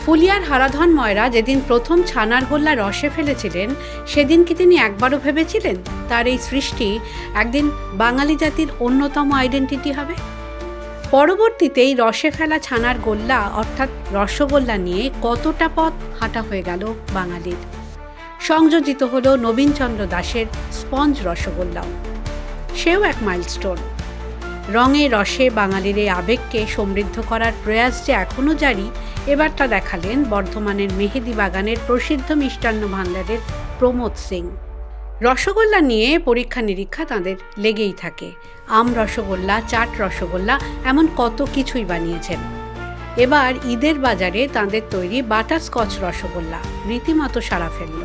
ফুলিয়ার হারাধন ময়রা যেদিন প্রথম ছানার গোল্লা রসে ফেলেছিলেন, সেদিন কি তিনি একবারও ভেবেছিলেন তার এই সৃষ্টি একদিন বাঙালি জাতির অন্যতম আইডেন্টিটি হবে? পরবর্তীতে এই রসে ফেলা ছানার গোল্লা অর্থাৎ রসগোল্লা নিয়ে কতটা পথ হাঁটা হয়ে গেল বাঙালির। সংযোজিত হল নবীনচন্দ্র দাশের স্পঞ্জ রসগোল্লাও, সেও এক মাইলস্টোন। রঙে রসে বাঙালির এই আবেগকে সমৃদ্ধ করার প্রয়াস যে এখনও জারি, এবার তা দেখালেন বর্ধমানের মেহেদি বাগানের প্রসিদ্ধ মিষ্টান্ন ভাণ্ডারের প্রমোদ সিং। রসগোল্লা নিয়ে পরীক্ষা নিরীক্ষা তাঁদের লেগেই থাকে। আম রসগোল্লা, চাট রসগোল্লা, এমন কত কিছুই বানিয়েছেন। এবার ঈদের বাজারে তাঁদের তৈরি বাটারস্কচ রসগোল্লা রীতিমতো সাড়া ফেলল।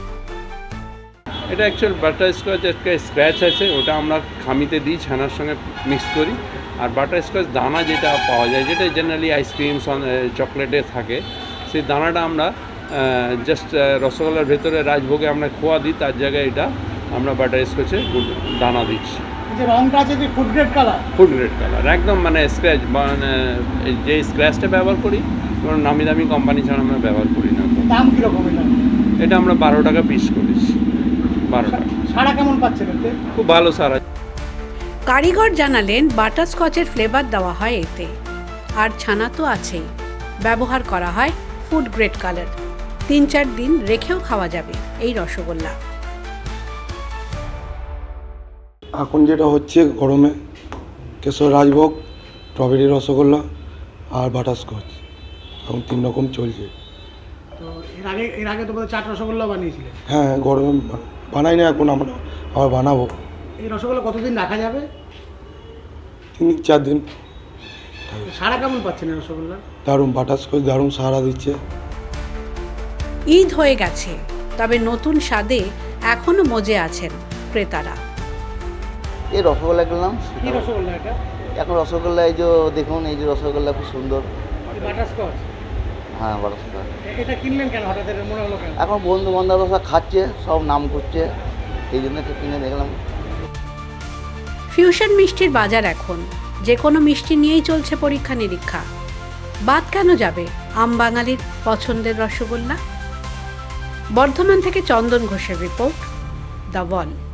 এটা অ্যাকচুয়াল বাটারস্কচ একটা স্ক্র্যাচ আছে, ওটা আমরা খামিতে দিই, ছানার সঙ্গে মিক্স করি। আর বাটারস্কচ দানা যেটা পাওয়া যায়, যেটা জেনারেলি আইসক্রিম চকলেটে থাকে, সেই দানাটা আমরা জাস্ট রসগোল্লার ভেতরে রাজভোগে আমরা খোয়া দিই, তার জায়গায় এটা আমরা বাটারস্কচে দানা দিচ্ছি। রংটা আছে যে ফুড গ্রেড কালার একদম, মানে স্ক্র্যাচ, মানে যে স্ক্র্যাচটা ব্যবহার করি কোনো নামি দামি কোম্পানি ছাড়া আমরা ব্যবহার করি না। দাম কীরকম এটা আমরা 12 টাকা পিস করেছি। 12 টাকা। সারা কেমন পাচ্ছেন এতে? খুব ভালো সারা। কারিগর জানালেন বাটারস্কচের ফ্লেভার দেওয়া হয় এতে, আর ছানা তো আছেই, ব্যবহার করা হয় ফুড গ্রেড কালার। 3-4 দিন রেখেও খাওয়া যাবে এই রসগোল্লা। এখন যেটা হচ্ছে গরমে কেশর রাজভোগ, স্ট্রবেরি রসগোল্লা আর বাটারস্কচ, এখন 3 রকম চলছে। তো এর আগে তো চাট রসগোল্লা বানিয়েছিলেন? হ্যাঁ, গরমে বানাই না, এখন আমরা আবার বানাবো। এই রসগোল্লা কতদিন রাখা যাবে? 3-4 দিন। সারা কেমন পাচ্ছেন এই রসগোল্লা? দারুণ, বাটারস্কচ দারুণ সাড়া দিচ্ছে। ঈদ হয়ে গেছে, তবে নতুন স্বাদে এখনো মজে আছেন ক্রেতারা। এই রসগোল্লা কিনলাম। কি রসগোল্লা এটা? এখন রসগোল্লা এই যে দেখুন, এই যে রসগোল্লা খুব সুন্দর। বাটারস্কচ? হ্যাঁ, বাটারস্কচ। এটা কিনলেন কেন, হঠাৎ মনে হলো কেন? এখন বন্ধু বান্ধব সব খাচ্ছে, সব নাম করছে, এই জন্য একটু কিনে দেখলাম। ফিউশন মিষ্টির বাজার এখন, যে কোনো মিষ্টি নিয়েই চলছে পরীক্ষা নিরীক্ষা। বাদ কেন যাবে আম বাঙালির পছন্দের রসগোল্লা? বর্ধমান থেকে চন্দন ঘোষের রিপোর্ট, দ্য ওয়াল।